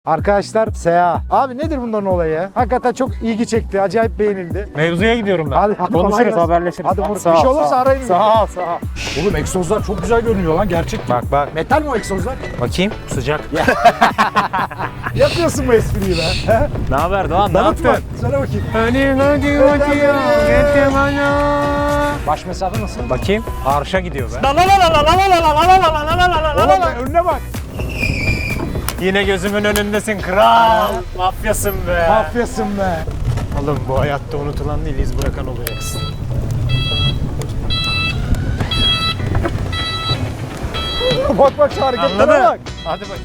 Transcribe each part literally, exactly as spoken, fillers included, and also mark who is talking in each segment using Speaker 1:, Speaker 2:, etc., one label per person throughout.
Speaker 1: Arkadaşlar S A. Abi nedir bunların olayı ya? Hakikaten çok ilgi çekti. Acayip beğenildi.
Speaker 2: Mevzuya gidiyorum ben.
Speaker 1: Hadi, hadi
Speaker 2: Konuşuruz, haberleşiriz.
Speaker 1: Hadi vur. Bir
Speaker 2: Sağ
Speaker 1: şey
Speaker 2: ol,
Speaker 1: olursa
Speaker 2: sağ ol.
Speaker 1: arayın.
Speaker 2: Sağ ol, sağ ol.
Speaker 3: Oğlum egzozlar çok güzel görünüyor lan gerçek.
Speaker 2: Bak bak.
Speaker 1: Metal mi o egzozlar?
Speaker 2: Bakayım. Sıcak.
Speaker 1: Yapıyorsun bu espriyi be. He?
Speaker 2: Ne haber Doğan? Ne
Speaker 1: Tanıtma.
Speaker 2: yaptın?
Speaker 1: Söyle bakayım.
Speaker 2: Hadi hadi hadi ya. Getir bana.
Speaker 1: Baş mesafe nasıl?
Speaker 2: Bakayım. Arşa gidiyor be.
Speaker 1: Oğlum önüne bak.
Speaker 2: Yine gözümün önündesin kral. Mafyasın be.
Speaker 1: Mafyasın be.
Speaker 2: Oğlum bu hayatta unutulan değil, iz bırakan olacaksın.
Speaker 1: Bak bak şu hareketlere
Speaker 2: Anladın?
Speaker 1: bak.
Speaker 2: Hadi bak.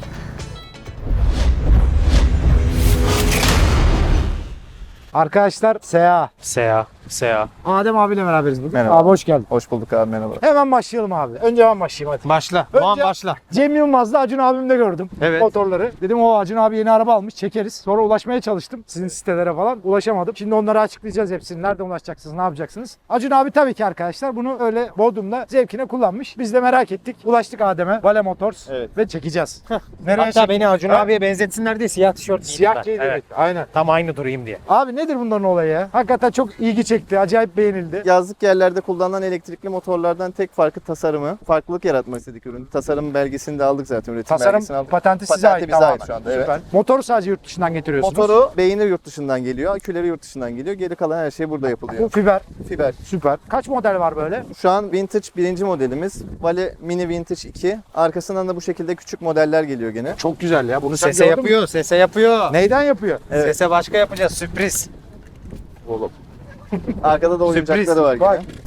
Speaker 1: Arkadaşlar S A.
Speaker 2: Sea, Sea.
Speaker 1: Adem abiyle beraberiz bugün.
Speaker 3: Merhaba.
Speaker 1: Abi hoş geldin.
Speaker 3: Hoş bulduk abi, merhaba.
Speaker 1: Hemen başlayalım abi. Önce ben başlayayım hadi.
Speaker 2: Başla.
Speaker 1: Önce-
Speaker 2: Doğan başla.
Speaker 1: Cem Yılmaz'la Acun abimde gördüm
Speaker 2: Evet.
Speaker 1: motorları. Dedim o Acun abi yeni araba almış, çekeriz. Sonra ulaşmaya çalıştım sizin sitelere falan. Ulaşamadım. Şimdi onları açıklayacağız hepsini. Nereden ulaşacaksınız, ne yapacaksınız? Acun abi tabii ki arkadaşlar bunu öyle Bodrum'da zevkine kullanmış. Biz de merak ettik. Ulaştık Adem'e. Vale Motors.
Speaker 3: Evet.
Speaker 1: Ve çekeceğiz. Nereye
Speaker 2: Hatta
Speaker 1: çek-
Speaker 2: beni Acun
Speaker 1: Ha?
Speaker 2: abiye benzetsinler diye siyah tişört giydim
Speaker 1: Siyah
Speaker 2: ben.
Speaker 1: giydi.
Speaker 2: Evet.
Speaker 1: Evet. Aynen.
Speaker 2: Tam aynı durayım diye.
Speaker 1: Abi nedir bunların olayı ya? Hakikaten çok ilgi çekti. Acayip beğenildi.
Speaker 3: Yazlık yerlerde kullanılan elektrikli motorlardan tek farkı tasarımı. Farklılık yaratmak istedik ürünü. Tasarım belgesini de aldık zaten, üretim
Speaker 1: Tasarım
Speaker 3: belgesini aldık.
Speaker 1: patenti size
Speaker 3: Patenti
Speaker 1: ait
Speaker 3: bize
Speaker 1: tamamen.
Speaker 3: ait şu anda, evet.
Speaker 1: Süper. Motoru sadece yurt dışından getiriyorsunuz.
Speaker 3: Motoru beynir yurt dışından geliyor, aküleri yurt dışından geliyor. Geri kalan her şey burada
Speaker 1: Bu
Speaker 3: yapılıyor.
Speaker 1: fiber.
Speaker 3: Fiber.
Speaker 1: Süper. Kaç model var böyle?
Speaker 3: Şu an Vintage birinci modelimiz. Vale Mini Vintage iki. Arkasından da bu şekilde küçük modeller geliyor gene.
Speaker 1: Çok güzel ya. Bunu sen
Speaker 2: Sese
Speaker 1: gördün mü?
Speaker 2: yapıyor, sese yapıyor.
Speaker 1: Neyden yapıyor?
Speaker 3: Evet.
Speaker 2: Sese başka yapacağız, sürpriz.
Speaker 3: Oğlum. Arkada da oyuncakları
Speaker 2: Sürpriz.
Speaker 3: var
Speaker 1: Bak.
Speaker 3: gene.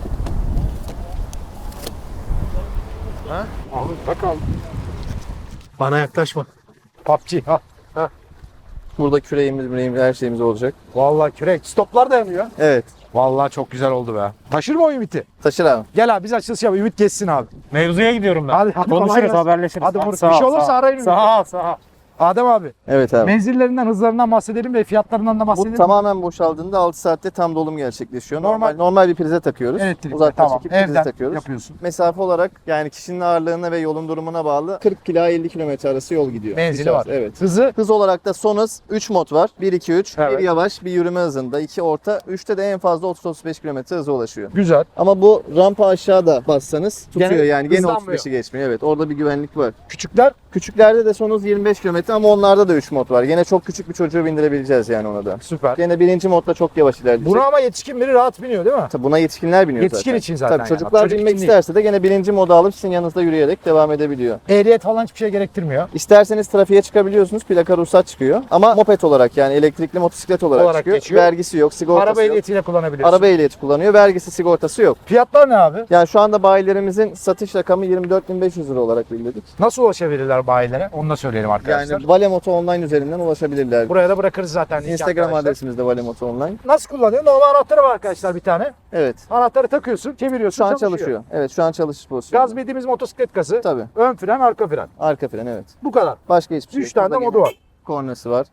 Speaker 1: Abi bak abi.
Speaker 2: Bana yaklaşma.
Speaker 1: P U B G. Ha.
Speaker 3: Burada küreğimiz, müreğimiz, her şeyimiz olacak.
Speaker 1: Vallahi kürek. Stoplar da yanıyor.
Speaker 3: Evet.
Speaker 1: Vallahi çok güzel oldu be. Taşır mı o Ümit'i?
Speaker 3: Taşır abi.
Speaker 1: Gel abi biz açılış yapalım. Ümit geçsin abi.
Speaker 2: Mevzuya gidiyorum ben.
Speaker 1: Hadi, hadi kolay
Speaker 2: Konuşuruz,
Speaker 1: gelsin.
Speaker 2: haberleşiriz.
Speaker 1: Hadi vur.
Speaker 2: Sağ
Speaker 1: Bir şey
Speaker 2: ol,
Speaker 1: olursa
Speaker 2: sağ ol.
Speaker 1: arayın.
Speaker 2: Sağ ol, sağ ol.
Speaker 1: Adem abi.
Speaker 3: Evet abi.
Speaker 1: Menzillerinden, hızlarından bahsedelim ve fiyatlarından da
Speaker 3: Bu
Speaker 1: bahsedelim.
Speaker 3: tamamen boşaldığında altı saatte tam dolum gerçekleşiyor. Normal
Speaker 1: Normal-
Speaker 3: normal bir prize takıyoruz.
Speaker 1: Elektrikli.
Speaker 3: Uzaktan
Speaker 1: Tamam.
Speaker 3: çekip prize
Speaker 1: Evden
Speaker 3: takıyoruz.
Speaker 1: yapıyorsun.
Speaker 3: Mesafe olarak yani kişinin ağırlığına ve yolun durumuna bağlı kırk ila elli kilometre arası yol gidiyor.
Speaker 1: Menzili
Speaker 3: Bir
Speaker 1: var.
Speaker 3: saat, Evet.
Speaker 1: Hızı
Speaker 3: Hız olarak da son hız üç mod var. bir iki üç.
Speaker 1: Evet.
Speaker 3: Bir yavaş, bir yürüme hızında. iki orta. üçte de en fazla otuz otuz beş kilometre hıza ulaşıyor.
Speaker 1: güzel.
Speaker 3: Ama bu rampa aşağıda bassanız tutuyor
Speaker 1: Gene
Speaker 3: yani. Gene
Speaker 1: hızlanmıyor.
Speaker 3: otuz beşi geçmiyor. Evet. Orada bir güvenlik var.
Speaker 1: Küçükler
Speaker 3: Küçüklerde de son hız yirmi beş kilometre ama onlarda da üç mod var. Gene çok küçük bir çocuğu bindirebileceğiz yani ona da.
Speaker 1: süper.
Speaker 3: Gene birinci modda çok yavaş ilerleyecek.
Speaker 1: Buna ama yetişkin biri rahat biniyor değil mi?
Speaker 3: Tabii buna yetişkinler biniyor
Speaker 1: Yetişkin
Speaker 3: zaten.
Speaker 1: için zaten
Speaker 3: Tabii
Speaker 1: yani.
Speaker 3: çocuklar
Speaker 1: Çocuk
Speaker 3: binmek
Speaker 1: için değil.
Speaker 3: isterse de gene birinci moda alıp sizin yanınızda yürüyerek devam edebiliyor.
Speaker 1: Ehliyet falan hiçbir şey gerektirmiyor.
Speaker 3: İsterseniz trafiğe çıkabiliyorsunuz. Plaka ruhsat çıkıyor. Ama moped olarak yani elektrikli motosiklet olarak,
Speaker 1: Olarak
Speaker 3: çıkıyor.
Speaker 1: geçiyor.
Speaker 3: Vergisi yok, sigortası
Speaker 1: Araba
Speaker 3: yok.
Speaker 1: ehliyetiyle kullanabiliyorsun.
Speaker 3: Araba ehliyeti kullanıyor. Vergisi, sigortası yok.
Speaker 1: Fiyatlar ne abi?
Speaker 3: Yani şu anda bayilerimizin satış rakamı yirmi dört bin beş yüz lira olarak bildirdik.
Speaker 1: Nasıl ulaşabilirler bayilere? Onu da söyleyelim arkadaşlar.
Speaker 3: Yani Vale Moto Online üzerinden ulaşabilirler.
Speaker 1: Buraya da bırakırız zaten. linki
Speaker 3: Instagram
Speaker 1: arkadaşlar.
Speaker 3: adresimiz de Vale Moto Online.
Speaker 1: Nasıl kullanıyor? Normal anahtarı var arkadaşlar bir tane.
Speaker 3: Evet.
Speaker 1: Anahtarı takıyorsun, çeviriyorsun,
Speaker 3: Şu an
Speaker 1: çalışıyor.
Speaker 3: çalışıyor. Evet, şu an çalışış pozisyonu.
Speaker 1: Gaz bildiğimiz motosiklet gazı.
Speaker 3: Tabii.
Speaker 1: Ön fren, arka fren.
Speaker 3: Arka fren, evet.
Speaker 1: Bu kadar.
Speaker 3: Başka hiçbir şey
Speaker 1: Üç
Speaker 3: yok.
Speaker 1: tane de
Speaker 3: Burada
Speaker 1: modu
Speaker 3: gene
Speaker 1: var.
Speaker 3: Kornası var.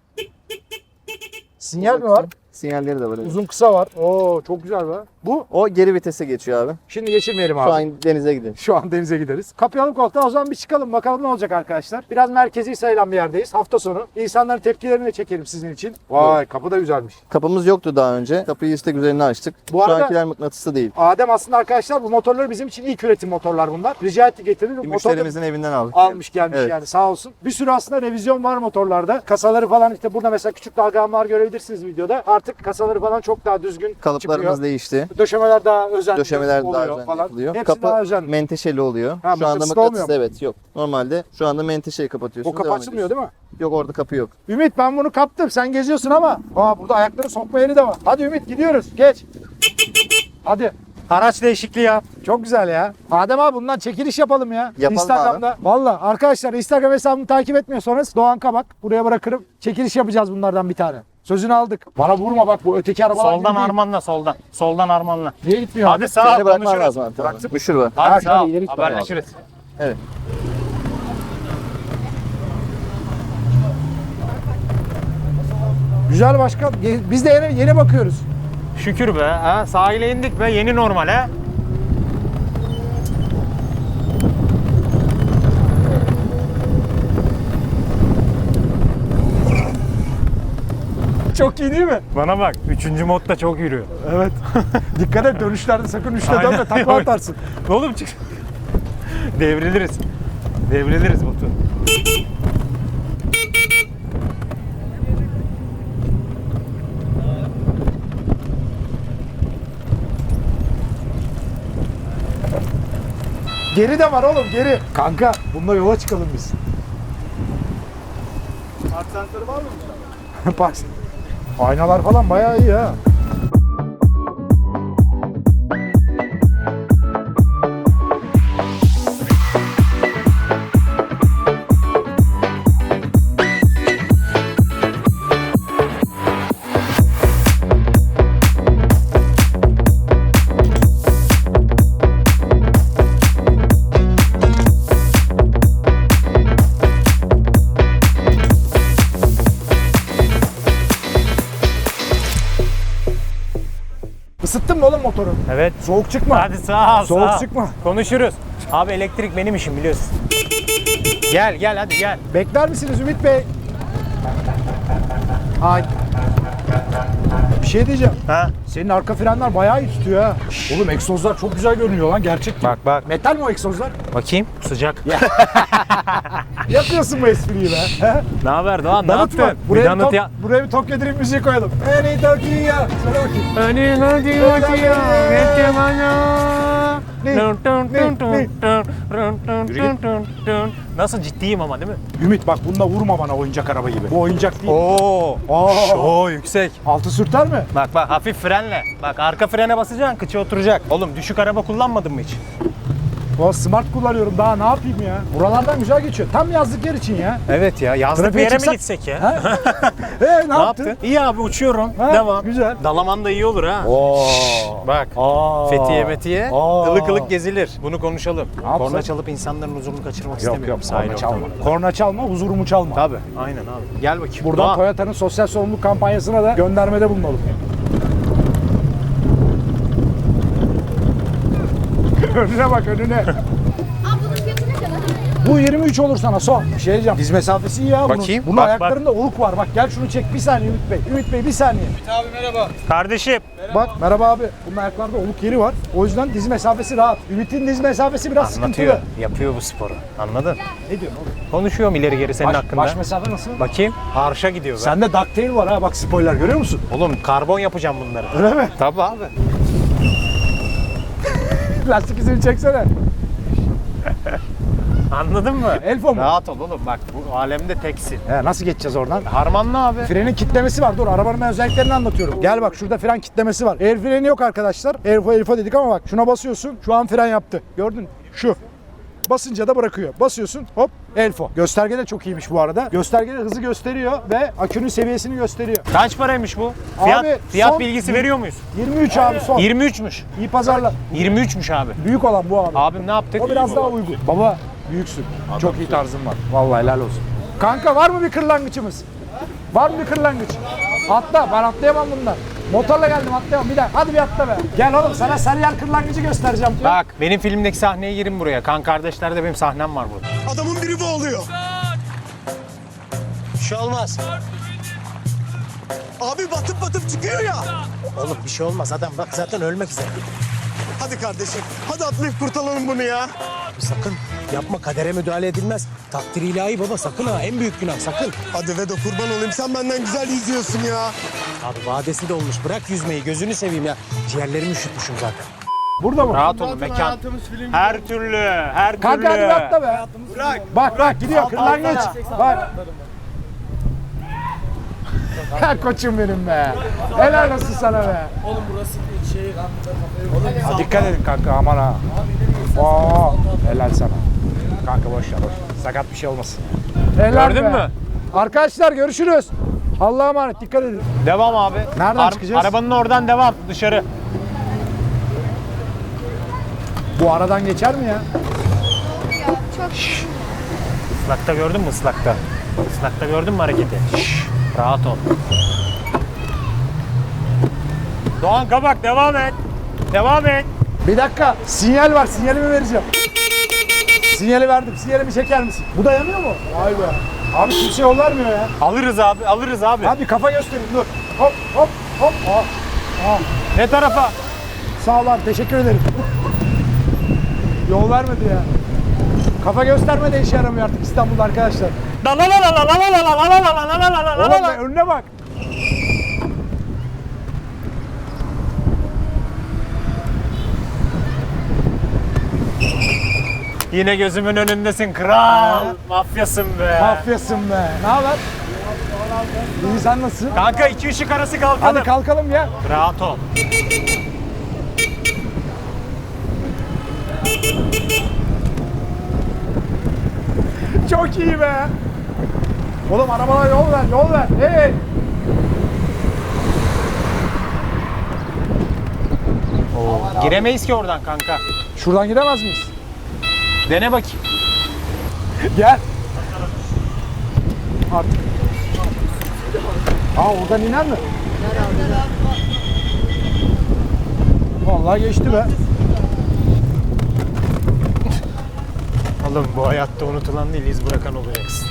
Speaker 1: Sinyal mi var?
Speaker 3: Sinyalleri de var, evet.
Speaker 1: Uzun kısa var. Oo çok güzel be. Bu
Speaker 3: O geri vitese geçiyor abi.
Speaker 1: şimdi geçirmeyelim abi.
Speaker 3: Şu an denize gidelim.
Speaker 1: Şu an denize gideriz. Kapayalım koltuğa, o zaman bir çıkalım bakalım ne olacak arkadaşlar. Biraz merkezi sayılan bir yerdeyiz. Hafta sonu. İnsanların tepkilerini de çekelim sizin için. Vay kapı da güzelmiş.
Speaker 3: Kapımız yoktu daha önce. Kapıyı istek üzerine açtık.
Speaker 1: Bu
Speaker 3: Şu
Speaker 1: arada-
Speaker 3: ankiler mıknatıslı değil.
Speaker 1: Adem aslında arkadaşlar bu motorları bizim için ilk üretim motorlar bunlar. Rica etti getirdi.
Speaker 3: Bir
Speaker 1: Motor da
Speaker 3: müşterimizin evinden aldık.
Speaker 1: almış gelmiş
Speaker 3: Evet.
Speaker 1: yani sağ olsun. Bir sürü aslında revizyon var motorlarda. Kasaları falan işte burada mesela küçük dalgalanmalar görebilirsiniz videoda. Artık kasaları falan çok daha düzgün
Speaker 3: Kalıplarımız
Speaker 1: çıkıyor.
Speaker 3: değişti.
Speaker 1: Döşemeler daha özenli
Speaker 3: Döşemeler daha
Speaker 1: oluyor
Speaker 3: özenli
Speaker 1: falan.
Speaker 3: yapılıyor.
Speaker 1: Hepsi
Speaker 3: Kapı
Speaker 1: daha özenli.
Speaker 3: menteşeli oluyor.
Speaker 1: Ha,
Speaker 3: şu anda
Speaker 1: mıknatıslı olmuyor
Speaker 3: mıknatıs, evet, yok. Normalde şu anda menteşeyi kapatıyorsun.
Speaker 1: O kapı açılmıyor değil mi?
Speaker 3: Yok, orada kapı yok.
Speaker 1: Ümit ben bunu kaptım. Sen geziyorsun ama. Aa burada ayakları sokma yeri de var. Hadi Ümit gidiyoruz. Geç. Hadi.
Speaker 2: Araç değişikliği yap.
Speaker 1: Çok güzel ya. Adem abi bundan çekiliş yapalım ya.
Speaker 3: Yapalım
Speaker 1: Instagram'da. Valla arkadaşlar Instagram hesabımı takip etmiyorsanız Doğan Kabak. Buraya bırakırım. Çekiliş yapacağız bunlardan bir tane. Sözünü aldık. Bana vurma bak bu öteki arabalar gibi
Speaker 2: Soldan
Speaker 1: değil.
Speaker 2: armanla, soldan. Soldan armanla.
Speaker 1: Niye gitmiyor
Speaker 2: Hadi
Speaker 1: abi?
Speaker 2: sağ ol,
Speaker 3: Seni bırakman
Speaker 2: konuşuruz.
Speaker 3: lazım abi. Tamam. Müşür var.
Speaker 2: Hadi
Speaker 1: Ha,
Speaker 2: sağ ol,
Speaker 1: şöyle ileri git
Speaker 2: haberleşiriz.
Speaker 3: Evet.
Speaker 1: Güzel başkan. Ye- Biz de yeni, yeni bakıyoruz.
Speaker 2: Şükür be. Ha, sahile indik be, yeni normal ha.
Speaker 1: Çok iyi değil mi?
Speaker 2: Bana bak. Üçüncü modda çok yürüyor.
Speaker 1: Evet. Dikkat et dönüşlerde sakın üçte
Speaker 2: Aynen.
Speaker 1: dönme takla atarsın.
Speaker 2: Oğlum çık. Devriliriz. Devriliriz Batu.
Speaker 1: Geri de var oğlum geri. Kanka bununla yola çıkalım biz.
Speaker 3: Park sensörü var mı?
Speaker 1: Bak. Aynalar falan bayağı iyi ha. Isıttın mı oğlum motoru?
Speaker 2: Evet.
Speaker 1: Soğuk çıkma.
Speaker 2: Hadi sağ ol.
Speaker 1: Soğuk
Speaker 2: sağ ol.
Speaker 1: çıkma.
Speaker 2: Konuşuruz. Abi elektrik benim işim biliyorsun. Gel gel hadi gel.
Speaker 1: Bekler misiniz Ümit Bey? Ay. Bir şey diyeceğim.
Speaker 2: Ha?
Speaker 1: Senin arka frenler bayağı iyi tutuyor ha. Oğlum egzozlar çok güzel görünüyor lan gerçek gibi.
Speaker 2: Bak bak.
Speaker 1: Metal mi o egzozlar?
Speaker 2: Bakayım. Sıcak.
Speaker 1: Yapıyorsun bu espriyi be. He?
Speaker 2: Ne haber Doğan? Ne
Speaker 1: Danıt
Speaker 2: yaptın?
Speaker 1: mı? Buraya
Speaker 2: Bir
Speaker 1: bir,
Speaker 2: danıt
Speaker 1: tok,
Speaker 2: ya.
Speaker 1: buraya bir Tokyo Drift müziği koyalım. Eni Tokyo ya. Söyle bakayım.
Speaker 2: Hadi hadi hadi ya. Bekle bana.
Speaker 1: Ne?
Speaker 2: Dun dun
Speaker 1: Ne?
Speaker 2: dun dun
Speaker 1: Ne?
Speaker 2: dun dun dun dun dun dun. Nasıl ciddiyim ama değil mi?
Speaker 1: Ümit bak bununla vurma bana oyuncak araba gibi. Bu oyuncak değil.
Speaker 2: Oo.
Speaker 1: Aa.
Speaker 2: Oo yüksek.
Speaker 1: Altı sürter mi?
Speaker 2: Bak bak hafif frenle. Bak arka frene basacaksın kıçı oturacak. Oğlum düşük araba kullanmadın mı hiç?
Speaker 1: O smart kullanıyorum daha ne yapayım ya. Buralardan güzel geçiyor. Tam yazlık yer için ya.
Speaker 2: Evet ya yazlık
Speaker 1: Trafiğe
Speaker 2: bir yere
Speaker 1: çıksak-
Speaker 2: mi gitsek ya?
Speaker 1: Ha? Ee, ne,
Speaker 2: Ne
Speaker 1: yaptın?
Speaker 2: yaptın? İyi abi uçuyorum.
Speaker 1: Ha,
Speaker 2: Devam.
Speaker 1: güzel.
Speaker 2: Dalaman da iyi olur ha.
Speaker 1: Oo.
Speaker 2: Bak.
Speaker 1: Aa.
Speaker 2: Fethiye metiye
Speaker 1: Aa.
Speaker 2: ılık ılık gezilir. Bunu konuşalım.
Speaker 1: yapsak?
Speaker 2: Korna çalıp insanların huzurunu kaçırmak
Speaker 1: Yok yok
Speaker 2: istemiyorum. sahil
Speaker 1: korna çalma.
Speaker 2: ortamında.
Speaker 1: Korna çalma huzurumu çalma.
Speaker 2: Tabii. Aynen abi. Gel bakayım.
Speaker 1: Buradan
Speaker 2: Doğan.
Speaker 1: Toyota'nın sosyal sorumluluk kampanyasına da göndermede bulunalım. Önüne bak önüne.
Speaker 4: Aa bunun fiyatı ne kadar?
Speaker 1: Bu yirmi üç olur sana son. Bir şey diyeceğim. Diz mesafesi iyi ya bunun.
Speaker 2: Bakayım.
Speaker 1: Bunun
Speaker 2: Bak,
Speaker 1: ayaklarında oluk var. Bak gel şunu çek. Bir saniye Ümit Bey. Ümit Bey bir saniye.
Speaker 2: Kardeşim.
Speaker 1: Bak merhaba abi. Bunun ayaklarda oluk yeri var. O yüzden diz mesafesi rahat. Ümit'in diz mesafesi biraz
Speaker 2: Anlatıyor.
Speaker 1: sıkıntılı.
Speaker 2: Yapıyor bu sporu. Anladın?
Speaker 1: Ne diyorsun oğlum?
Speaker 2: Konuşuyorum ileri geri senin
Speaker 1: Baş,
Speaker 2: hakkında.
Speaker 1: baş mesafe nasıl?
Speaker 2: Bakayım. Arşa gidiyor be.
Speaker 1: Sende ducktail var ha bak spoiler görüyor musun?
Speaker 2: Oğlum karbon yapacağım bunları.
Speaker 1: Öyle mi?
Speaker 2: Tabii abi.
Speaker 1: Lastik izini çeksene.
Speaker 2: Anladın mı?
Speaker 1: Elfo mu?
Speaker 2: Rahat ol oğlum bak bu alemde teksin.
Speaker 1: He, nasıl geçeceğiz oradan?
Speaker 2: Harmanlı abi.
Speaker 1: Frenin kitlemesi var. Dur arabanın ben özelliklerini anlatıyorum. Gel bak şurada fren kitlemesi var. El freni yok arkadaşlar. Elfo elfo dedik ama bak şuna basıyorsun. Şu an fren yaptı. Gördün? Şu. Basınca da bırakıyor. Basıyorsun hop elfo. Gösterge de çok iyiymiş bu arada. Gösterge de hızı gösteriyor ve akünün seviyesini gösteriyor.
Speaker 2: Kaç paraymış bu? Fiyat,
Speaker 1: Abi,
Speaker 2: fiyat
Speaker 1: son-
Speaker 2: bilgisi veriyor muyuz?
Speaker 1: yirmi üç abi son.
Speaker 2: yirmi üçmüş.
Speaker 1: İyi pazarlar.
Speaker 2: yirmi üçmüş abi.
Speaker 1: Büyük olan bu abi.
Speaker 2: Abim ne yaptık?
Speaker 1: O biraz daha uygun. Baba büyüksün. Çok iyi tarzın var. Vallahi helal olsun. Kanka var mı bir kırlangıçımız? Var mı bir kırlangıç? Atla. Ben atlayamam bundan. Motorla geldim atlayamam. Bir daha. Hadi bir atla be. Gel oğlum sana Sarıyer kırlangıcı göstereceğim.
Speaker 2: Bak benim filmdeki sahneye girin buraya. Kan kardeşlerde benim sahnem var burada.
Speaker 5: Adamın biri boğuluyor.
Speaker 6: Bir şey olmaz.
Speaker 5: Abi batıp batıp çıkıyor ya.
Speaker 6: Oğlum bir şey olmaz adam bak zaten ölmek üzere.
Speaker 5: Hadi kardeşim. Hadi atlayıp kurtaralım bunu ya.
Speaker 6: Sakın yapma kadere müdahale edilmez. Takdir ilahi baba sakın ha en büyük günah sakın.
Speaker 5: Hadi Vedo kurban olayım. Sen benden güzel yüzüyorsun ya.
Speaker 6: Abi vadesi de olmuş bırak yüzmeyi gözünü seveyim ya. Ciğerlerimi üşütmüşüm zaten.
Speaker 1: Burada mı?
Speaker 2: Rahat olun mekan. Her türlü, her türlü.
Speaker 1: Kanka hadi bir atla be. Bak bak gidiyor kırlangıç. Bak. Ha koçum benim be. Helal olsun sana be. Oğlum burası şey. Ha, dikkat edin kanka aman ha. Oo, helal sana. Kanka boş ver boş ver. Sakat bir şey olmasın. Helal
Speaker 2: Gördün
Speaker 1: be.
Speaker 2: mü?
Speaker 1: Arkadaşlar görüşürüz. Allah'a emanet dikkat edin.
Speaker 2: Devam abi.
Speaker 1: Nereden çıkacağız?
Speaker 2: Arabanın oradan devam dışarı.
Speaker 1: Bu aradan geçer mi ya?
Speaker 2: Islakta gördün mü ıslakta? Islakta gördün mü hareketi? Şşş, rahat ol. Doğan Kabak devam et. Devam et.
Speaker 1: Bir dakika sinyal var sinyalimi vereceğim. Sinyali verdim. Sinyalimi çeker misin? Bu da yanıyor mu? Vay be. Abi kimse yol vermiyor ya.
Speaker 2: Alırız abi, alırız abi.
Speaker 1: Abi kafa gösterin dur. Hop hop hop. Aa, aa.
Speaker 2: Ne tarafa?
Speaker 1: Sağ ol abi teşekkür ederim. Yol vermedi ya. Kafa gösterme de işe yaramıyor artık İstanbul'da arkadaşlar.
Speaker 2: La la la la la la la la la la la la la la la
Speaker 1: Oğlum
Speaker 2: la.
Speaker 1: önüne bak.
Speaker 2: Yine gözümün önündesin kral. Mafyasın be.
Speaker 1: Mafyasın be. Ne haber? İyi sen nasılsın?
Speaker 2: Kanka iki ışık arası kalkalım.
Speaker 1: Hadi kalkalım ya.
Speaker 2: Rahat ol.
Speaker 1: Çok iyi be. Oğlum arabana yol ver, yol ver. Hey.
Speaker 2: Oo, giremeyiz ki oradan kanka.
Speaker 1: Şuradan gidemez miyiz?
Speaker 2: Dene bakayım.
Speaker 1: Gel. Artık. Aa oradan iner mi? Vallahi geçti be.
Speaker 2: Oğlum bu hayatta unutulan değil, iz bırakan olacaksın.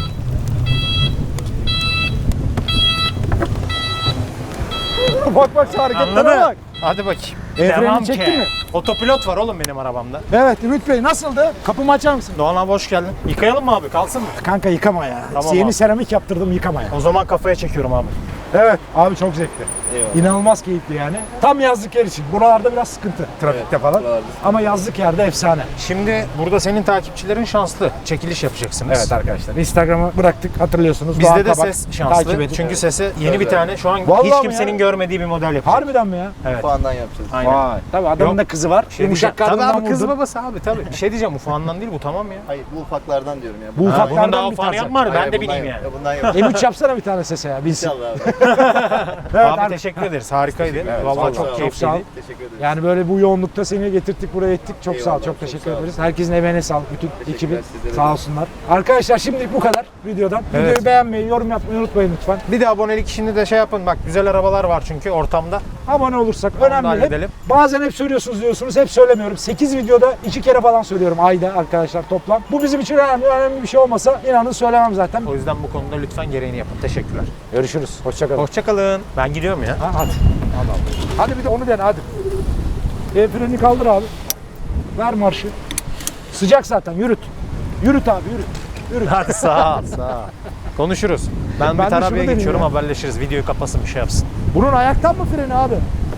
Speaker 1: Bak bak şu hareketlere
Speaker 2: Anladın?
Speaker 1: bak.
Speaker 2: Hadi bakayım.
Speaker 1: El
Speaker 2: Devam
Speaker 1: freni çektin
Speaker 2: ki.
Speaker 1: mi?
Speaker 2: Otopilot var oğlum benim arabamda.
Speaker 1: Evet Ümit Bey nasıldı? Kapımı açar mısın?
Speaker 2: Doğan abi hoş geldin. Yıkayalım mı abi? Kalsın mı?
Speaker 1: Kanka yıkama ya.
Speaker 2: Tamam
Speaker 1: Yeni
Speaker 2: abi.
Speaker 1: seramik yaptırdım yıkama ya.
Speaker 2: O zaman kafaya çekiyorum abi.
Speaker 1: Evet abi çok zevkli.
Speaker 3: Eyvallah.
Speaker 1: İnanılmaz keyifli yani. Tam yazlık yer için. Buralarda biraz sıkıntı trafikte falan.
Speaker 3: buralarda.
Speaker 1: Ama yazlık yerde efsane.
Speaker 2: Şimdi burada senin takipçilerin şanslı. Çekiliş yapacaksınız.
Speaker 1: Evet arkadaşlar. Instagram'ı bıraktık hatırlıyorsunuz.
Speaker 2: Bizde
Speaker 1: Doğan
Speaker 2: de
Speaker 1: Kabak.
Speaker 2: ses şanslı.
Speaker 1: Takip edin.
Speaker 2: Çünkü sese yeni bir tane şu an
Speaker 1: Vallahi
Speaker 2: hiç
Speaker 1: mi
Speaker 2: kimsenin
Speaker 1: ya?
Speaker 2: görmediği bir model yapacak.
Speaker 1: Harbiden mi ya?
Speaker 2: Evet.
Speaker 3: Puandan yapacağız.
Speaker 2: Aynen.
Speaker 1: Vay. Tabii adamın
Speaker 2: Yok.
Speaker 1: da kızı var.
Speaker 2: Şey
Speaker 1: Yumuşak
Speaker 2: diyeceğim, tabii
Speaker 1: karnından
Speaker 2: abi kız
Speaker 1: vurdun.
Speaker 2: babası abi tabii. Bir şey diyeceğim ufağından değil bu tamam ya.
Speaker 3: Hayır bu ufaklardan diyorum ya.
Speaker 1: Bu
Speaker 2: Ha,
Speaker 1: ufaklardan
Speaker 2: bunun daha
Speaker 1: bir
Speaker 2: ufağını
Speaker 1: tanesi.
Speaker 2: yapma ben
Speaker 3: Hayır,
Speaker 2: de
Speaker 3: bundan
Speaker 2: bileyim
Speaker 3: yap-
Speaker 2: yani.
Speaker 3: Bundan yapacağız.
Speaker 1: M üç yapsana bir tane sese ya bilsin.
Speaker 3: İnşallah abi.
Speaker 1: Evet,
Speaker 2: abi
Speaker 1: ar-
Speaker 2: teşekkür ederiz harikaydı.
Speaker 1: Evet,
Speaker 2: Vallahi
Speaker 1: vallahi
Speaker 2: çok
Speaker 1: çok
Speaker 2: keyifliydi.
Speaker 1: sağ ol.
Speaker 3: Teşekkür ederim.
Speaker 1: Yani böyle bu yoğunlukta seni getirttik buraya ettik. Çok sağ ol.
Speaker 3: Eyvallah,
Speaker 1: Çok
Speaker 3: çok
Speaker 1: teşekkür
Speaker 3: sağ ol.
Speaker 1: ederiz. Herkesin emeğine sağlık. Bütün
Speaker 3: Teşekkürler,
Speaker 1: ekibi
Speaker 3: sizlere
Speaker 1: sağ
Speaker 3: de.
Speaker 1: olsunlar. Arkadaşlar şimdilik bu kadar videodan.
Speaker 2: Evet.
Speaker 1: Videoyu beğenmeyi, yorum yapmayı unutmayın lütfen.
Speaker 2: Bir de abonelik işini de şey yapın bak güzel arabalar var çünkü ortamda.
Speaker 1: Abone olursak
Speaker 2: da
Speaker 1: önemli. Hep,
Speaker 2: halledelim.
Speaker 1: bazen hep söylüyorsunuz diyorsunuz. Hep söylemiyorum. sekiz videoda iki kere falan söylüyorum ayda arkadaşlar toplam. Bu bizim için önemli. Önemli bir şey olmasa inanın söylemem zaten.
Speaker 2: O yüzden bu konuda lütfen gereğini yapın. Teşekkürler.
Speaker 1: Görüşürüz. Hoşçakalın.
Speaker 2: Hoşçakalın. Ben gidiyorum ya.
Speaker 1: Ha, hadi. Hadi abi. Hadi bir de onu dene hadi. El freni kaldır abi. Ver marşı. Sıcak zaten yürüt. Yürüt abi yürüt. Yürüt.
Speaker 2: Hadi sağ ol, sağ ol. Konuşuruz. Ben,
Speaker 1: Ben
Speaker 2: bir
Speaker 1: de şunu
Speaker 2: tarabyaya
Speaker 1: deneyeyim
Speaker 2: geçiyorum
Speaker 1: ya.
Speaker 2: haberleşiriz. Videoyu kapasın bir şey yapsın.
Speaker 1: Bunun ayaktan mı freni abi?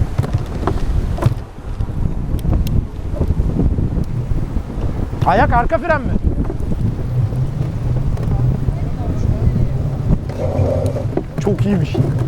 Speaker 1: Ayak arka fren mi? Çok iyiymiş.